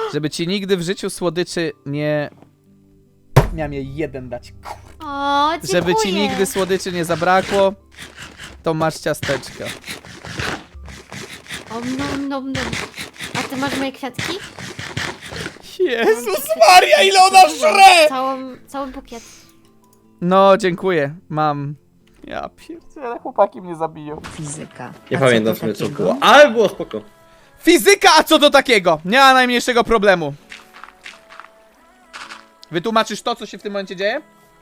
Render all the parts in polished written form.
Żeby ci nigdy w życiu słodyczy nie... Miałem jej jeden dać. O, dziękuję. Żeby ci nigdy słodyczy nie zabrakło, to masz ciasteczka. O, nom. A ty masz moje kwiatki? Jezus Maria, ile ona żre! Cały bukiet. No, dziękuję. Mam. Ja pierdzielę, chłopaki mnie zabiją. Fizyka. Nie A pamiętam co w sumie to co takiego? było, ale było spoko. Fizyka, a co do takiego? Nie ma najmniejszego problemu. Wytłumaczysz to, co się w tym momencie dzieje?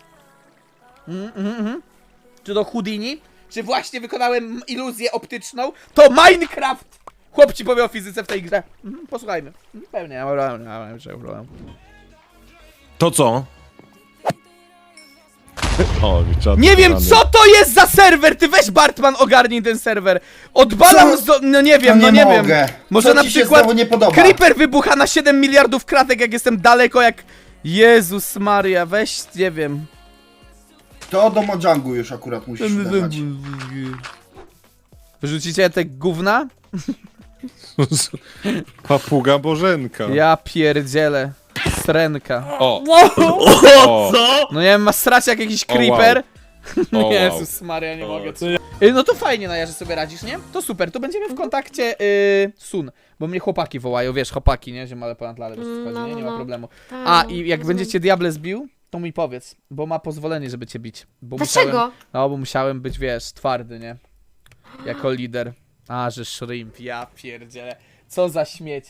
Czy to Houdini? Czy właśnie wykonałem iluzję optyczną? To Minecraft! Chłop ci powie o fizyce w tej grze. Posłuchajmy. Pewnie, nie ma problemu. To co? O, czat Nie wiem, rany. co to jest za serwer! Ty weź, Bartman, ogarnij ten serwer. Odbalam Co? no nie wiem, No no nie nie wiem. mogę. Może Co na ci się przykład znowu nie podoba? Creeper wybucha na 7 miliardów kratek, jak jestem daleko, jak... Jezus Maria, weź, nie wiem. To do Mojangu już akurat musisz dać. Wyrzucicie te gówna? Papuga Bożenka. Ja pierdzielę. Srenka. O, o, Co? No nie wiem, ma srać jak jakiś O, wow. creeper. O, wow. Jezus Maria, nie O, mogę. co No to fajnie, Naja, że sobie radzisz, nie? To super, to będziemy w kontakcie Sun. Bo mnie chłopaki wołają, wiesz, chłopaki, nie? Ziemale ponad lalę, wiesz co chodzi, nie? Nie ma problemu. A, i jak będzie cię Diable zbił, to mi powiedz, bo ma pozwolenie, żeby cię bić. Bo Dlaczego? No, bo musiałem być, wiesz, twardy, nie? Jako lider. A, że shrimp, ja pierdzielę. Co za śmieć.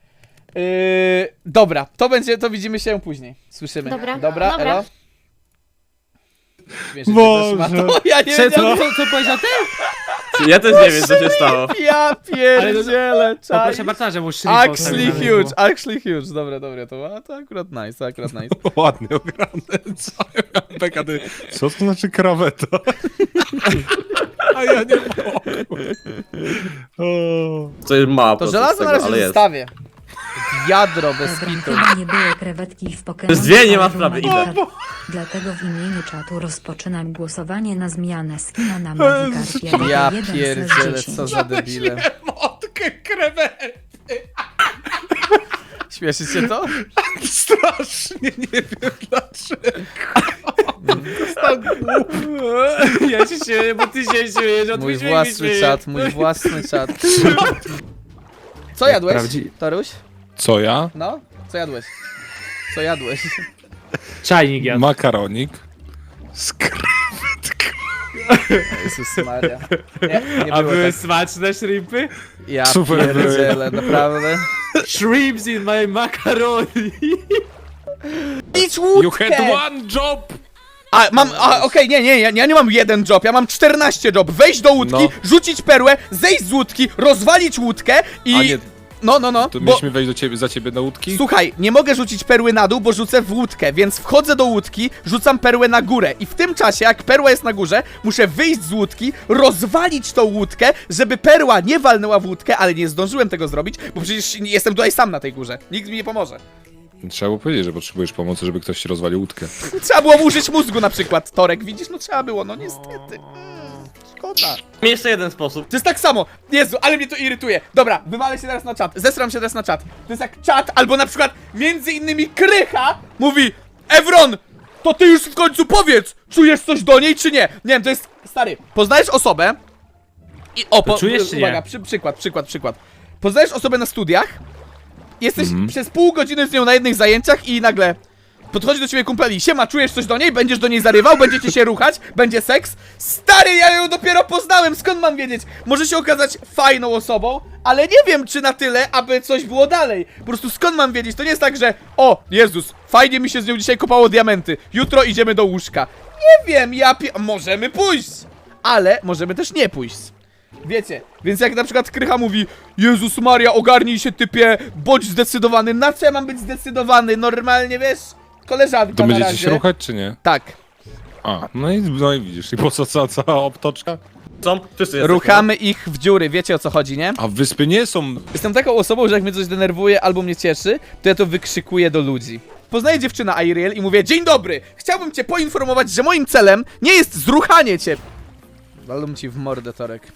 Dobra, to widzimy się później. Słyszymy. Dobra. Elo? Śmiesznie, Boże. też ma to. Ja nie wiem. Co powiedział ty? Ja też nie wiem co się stało. Ja pierdzielę, czaj. Proszę bardzo, że mu Actually huge. Dobra, to akurat nice, ładnie ograne. Co ja miałem PKD? Co to znaczy kraweta? A ja nie mogę. O. To jest mała To procent żelazo tego, na razie ale jest. zostawię. Jadro bez Dobra, kitu. chyba nie były krewetki w Pokémon. Przez dwie nie ma ale sprawy, był idę. Magikarp. Dlatego w imieniu czatu rozpoczynam głosowanie na zmianę skina na Magikarpie. Ja 1 z pierdzielę, 10. co za debile. Motkę krewety. Śmieszy się to? Strasznie nie wiem dlaczego. Ja się śmieję, bo ty się śmiejesz, od Mój własny czat. Co jadłeś, Toruś? Co ja? No? Co jadłeś? Co jadłeś? Czajnik jadł. Makaronik. Jezus Maria. Nie A było były tak. smaczne shrimpy? Ja Super pierdzielę, naprawdę. Shrimps in my macaroni. Idź You had łódkę! one job! Okej, nie, ja nie mam jeden job, ja mam 14 job. Wejść do łódki, No. rzucić perłę, zejść z łódki, rozwalić łódkę i... A nie, No, to bo... mieliśmy wejść za ciebie na łódki? Słuchaj, nie mogę rzucić perły na dół, bo rzucę w łódkę, więc wchodzę do łódki, rzucam perłę na górę i w tym czasie, jak perła jest na górze, muszę wyjść z łódki, rozwalić tą łódkę, żeby perła nie walnęła w łódkę, ale nie zdążyłem tego zrobić, bo przecież jestem tutaj sam na tej górze. Nikt mi nie pomoże. Trzeba było powiedzieć, że potrzebujesz pomocy, żeby ktoś ci rozwalił łódkę. Trzeba było użyć mózgu na przykład, Torek, widzisz? No trzeba było, no niestety. Szkoda. Mam jeszcze jeden sposób. To jest tak samo. Jezu, ale mnie to irytuje. Dobra, wywalę się teraz na czat. Zesram się teraz na czat. To jest jak czat, albo na przykład między innymi Krycha mówi: Evron, to ty już w końcu powiedz, czujesz coś do niej czy nie? Nie wiem, to jest, stary, poznajesz osobę i czujesz czy nie? uwaga, przykład. Poznajesz osobę na studiach, jesteś przez pół godziny z nią na jednych zajęciach i nagle podchodzi do ciebie kumpeli: siema, czujesz coś do niej? Będziesz do niej zarywał? Będziecie się ruchać? Będzie seks? Stary, ja ją dopiero poznałem, skąd mam wiedzieć? Może się okazać fajną osobą, ale nie wiem, czy na tyle, aby coś było dalej. Po prostu skąd mam wiedzieć? To nie jest tak, że o, Jezus, fajnie mi się z nią dzisiaj kopało diamenty, jutro idziemy do łóżka. Nie wiem, możemy pójść, ale możemy też nie pójść. Wiecie, więc jak na przykład Krycha mówi: Jezus Maria, ogarnij się, typie, bądź zdecydowany. Na co ja mam być zdecydowany? Normalnie, wiesz, koleżanka To na będziecie razie. się ruchać, czy nie? Tak. A, no i widzisz. I po co cała obtoczka? Są? Wszyscy jesteśmy. Ruchamy ich w dziury, wiecie o co chodzi, nie? A wyspy nie są... Jestem taką osobą, że jak mnie coś denerwuje albo mnie cieszy, to ja to wykrzykuję do ludzi. Poznaję dziewczynę Ariel i mówię: dzień dobry, chciałbym cię poinformować, że moim celem nie jest zruchanie cię. Walą ci w mordę, Torek.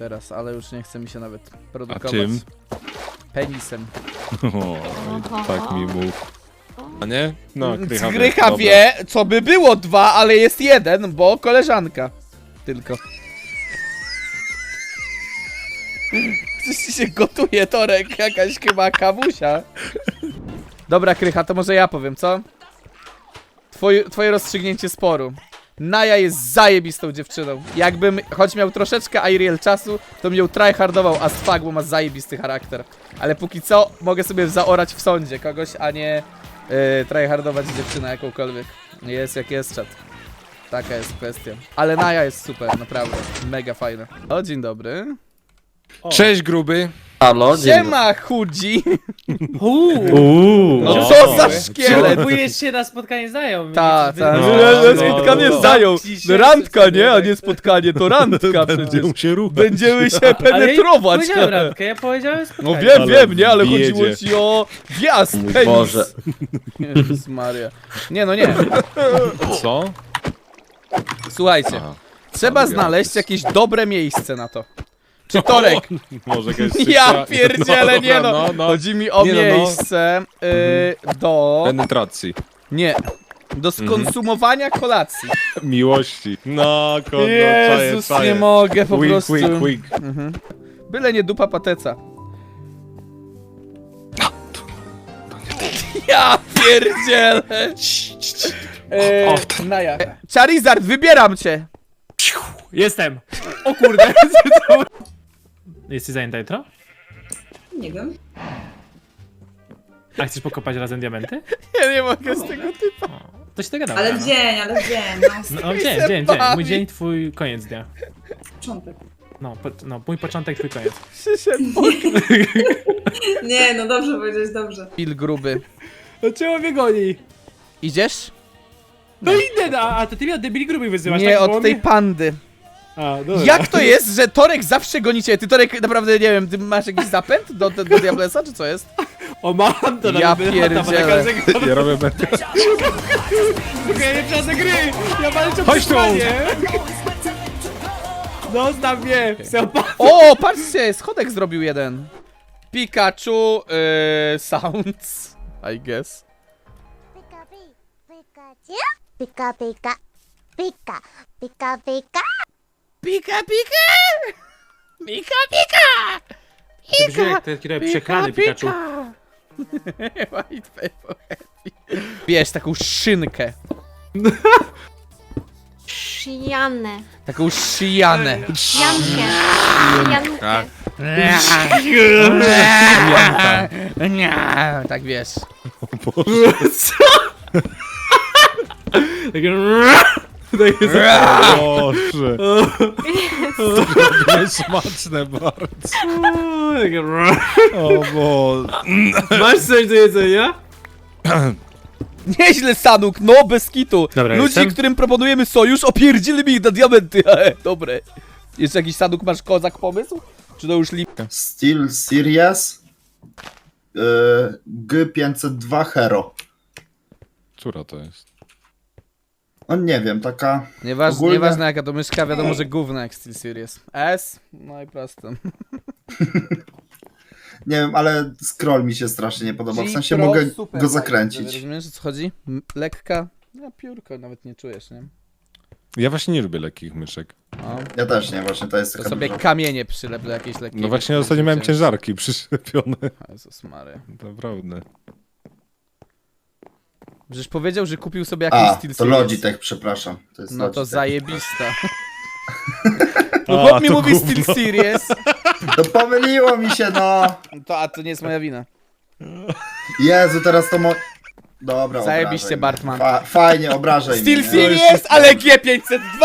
teraz, ale już nie chce mi się nawet A produkować. czym? Penisem. O, tak mi mów. A nie? No, Krycha wie, Grycha dobra. wie, co by było 2, ale jest 1, bo koleżanka. Tylko. Coś ci się gotuje, Torek, jakaś chyba kawusia. Dobra, Krycha, to może ja powiem, co? Twoje rozstrzygnięcie sporu. Naja jest zajebistą dziewczyną. Jakbym choć miał troszeczkę Iriel czasu, to bym ją tryhardował as fuck, bo ma zajebisty charakter. Ale póki co mogę sobie zaorać w sądzie kogoś, a nie tryhardować dziewczynę jakąkolwiek. Jest jak jest, czat. Taka jest kwestia. Ale Naja jest super, naprawdę. Mega fajna. O, dzień dobry. Cześć, gruby. Halo, Siema, chudzi. No No. co za szkielet. Próbujesz się na spotkanie znajomych. Ta. No, Spotkanie no. zdają. Dzisiaj Randka, sobie, nie? A tak. nie spotkanie, to randka przecież. Będziemy się ruchać. Będziemy się Ale ja nie penetrować. powiedziałem randkę, ja powiedziałem spotkanie. No wiem, Ale wiem, nie? Ale jedzie. chodziło ci o wjazd, Mój penis. Boże. Jezus Maria. Nie, no nie. Co? Słuchajcie, Aha. trzeba znaleźć jakieś dobre miejsce na to. Czy Torek? Może jakaś Ja sekcja- pierdzielę, nie dobra, no. Chodzi mi o Nie no, no. miejsce do... Penetracji. Nie. Do skonsumowania kolacji. Miłości. No, kogo, Jezus, nie mogę po Wink, prostu. wink, wink. Byle nie dupa pateca. Ja pierdzielę. Naja. Charizard, wybieram cię. Jestem. O kurde. Jesteś zajęta jutro? Nie wiem. A chcesz pokopać razem diamenty? Ja nie mogę z tego typa. To się dogadamy. Ale no. w dzień, no. No, dzień. Mój dzień, twój koniec dnia. Początek. No, mój początek, twój koniec. Przyszedł Nie, no dobrze powiedziałeś, dobrze. Pil gruby. No czemu mnie goni? Idziesz? No idę, a to ty mnie od debili grubych wyzywasz, Nie, tak? od tej pandy. A, dobra. Jak to jest, że Torek zawsze goni cię? Ty, Torek, naprawdę, nie wiem, ty masz jakiś zapęd do Diablesa, czy co jest? O, mam to Ja nawet, pierdzielę. Ja robię metę. Okej, nie przejdę gry! Ja walczę o Chodź tu! przetrwanie. Zostaw mnie! O, patrzcie, schodek zrobił jeden. Pikachu, sounds, I guess. Pika Pikachu. Pika Pika. Pika. Pika Pika. Pika, pika! Pika, pika! Jak te kierowe przeklany Pikachu. White paper happy. Bierz taką szynkę. Szyjanę. Taką szyjanę. Jankę. Jankę. Tak. Tak wiesz. Boże. To jest smaczne bardzo. O Boże. Masz coś do jedzenia? Nieźle, Sanuk, no bez kitu. Dobra, Ludzi, jestem. którym proponujemy sojusz, opierdzili mi ich na diamenty. Dobre. Jeszcze jakiś, Sanuk, masz kozak pomysł? Czy to już lipka? Steel Series G502 Hero. Która to jest? No nie wiem, taka... Nieważne, Ogólnie- nieważne jaka to myszka, wiadomo, że gówno jak Steel Series. S? No i prosto. Nie wiem, ale scroll mi się strasznie nie podoba. W G sensie Pro mogę super go fajne. zakręcić. Rozumiesz, o co chodzi? Lekka. Ja piórko nawet nie czujesz, nie? Ja właśnie nie lubię lekkich myszek. O, Ja też nie, właśnie to jest to taka sobie duża... kamienie przylep do jakiejś lekkiej. No właśnie ostatnio miałem ciężarki przyczepione. Jezus Maria. Naprawdę. Żeś powiedział, że kupił sobie jakąś A, Steel to Series. Logitech, przepraszam. To jest No to Logitech. zajebista. No chłop mi to mówi gówno. Steel Series. To pomyliło mi się, no! A to nie jest moja wina. Jezu, teraz to Dobra, Zajebiście, obrażaj mnie. Bartman. Fajnie, obrażaj Steel mnie. Series, ale G502!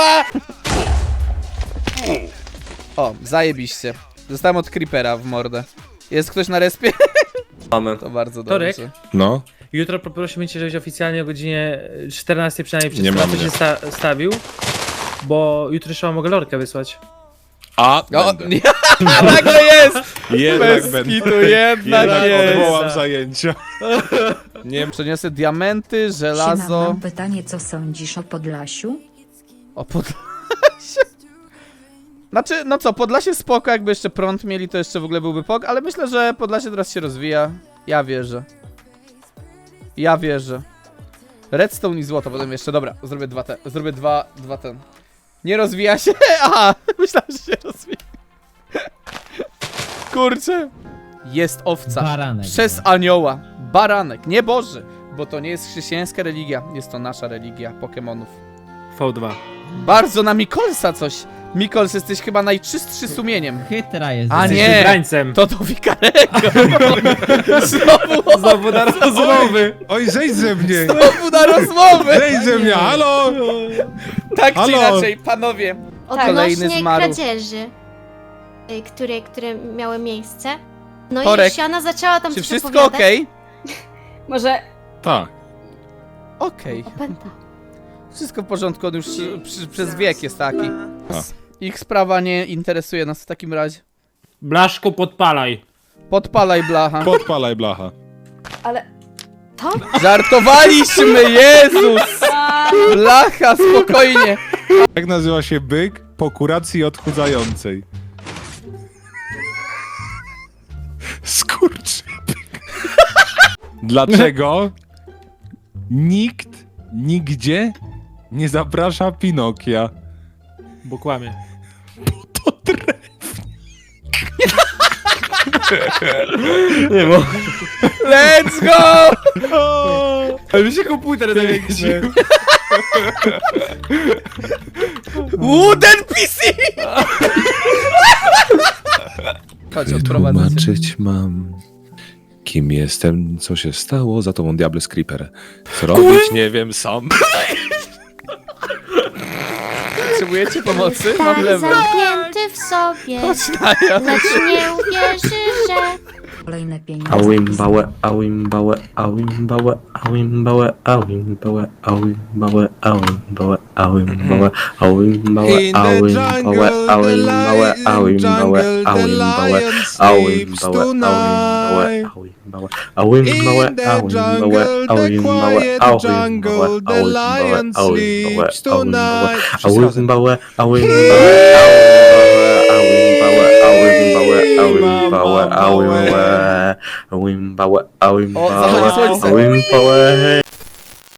O, zajebiście. Zostałem od Creepera w mordę. Jest ktoś na respie? Mamy. To bardzo Torek? dobrze. No. Jutro poprosimy cię, żebyś oficjalnie o godzinie 14 przynajmniej przez Nie pracę mamy. się stawił. Bo jutro jeszcze mogę lorkę wysłać. A, O, będę. nie, nagle jest! Jednak Bez będę. kitu, jednak Jednak jest. odwołam zajęcia. Nie Przeniosę diamenty, Siema, żelazo. mam pytanie, co sądzisz o Podlasiu? O, Podlasie. Znaczy, no co, Podlasie spoko, jakby jeszcze prąd mieli, to jeszcze w ogóle byłby pok, ale myślę, że Podlasie teraz się rozwija. Ja wierzę. Ja wierzę. Redstone i złoto potem jeszcze, dobra, zrobię zrobię dwa ten. Nie rozwija się? Aha, myślałem, że się rozwija. Kurczę. Jest owca. Baranek. Przez anioła. Baranek, nie Boży. Bo to nie jest chrześcijańska religia, jest to nasza religia Pokemonów. V2. Bardzo na Mikolsa coś. Mikols, jesteś chyba najczystszy sumieniem. Chytra jest. A Jesteś nie, wybrańcem. to do Wikarego. Znowu na rozmowy. Oj, zejdź ze mnie! Znowu na rozmowę. Zejdź ze mnie, halo! Tak czy Halo. inaczej, panowie. Kolejny Odnośnie zmarł. kradzieży, które miały miejsce. No Torek, i Siana zaczęła tam Czy coś wszystko opowiadać. okej? Może Tak. Okej. Opęta. Wszystko w porządku, on już przez wiek jest taki. A. Ich sprawa nie interesuje nas w takim razie. Blaszko, podpalaj. Podpalaj blacha. Podpalaj blacha. Ale... To? Żartowaliśmy, Jezus! Blacha, spokojnie. Jak nazywa się byk po kuracji odchudzającej? Skurczybyk. Dlaczego nikt nigdzie nie zaprasza Pinokia? Bo kłamie. To drew. Nie mo. Let's go! Ale mi się komputer zawiesił. Wooden PC! Chodź, odprowadzę cię. Tłumaczyć mam, kim jestem, co się stało, za tobą Diables Creeper. Co robić, nie wiem sam. Potrzebujecie pomocy? Mam Tak lewy. zamknięty w sobie, Chodź na ja. lecz nie uwierzy, że... Kolejne pieniądze. Awimbałe, awimbałe, awimbałe, awimbałe, awimbałe, awimbałe, awimbałe, awimbałe, awimbałe, In the awimbałe, jungle, the awimbałe, lion, awimbałe, jungle, the awimbałe, lion sleeps awimbałe, tonight. awimbałe, awimbałe, In the awimbałe, jungle, the awimbałe, quiet awimbałe, jungle, the lion sleeps tonight. awimbałe, awimbałe, awimbałe, awimbałe, awimbałe, O, zachodzi słońce. awimbałe.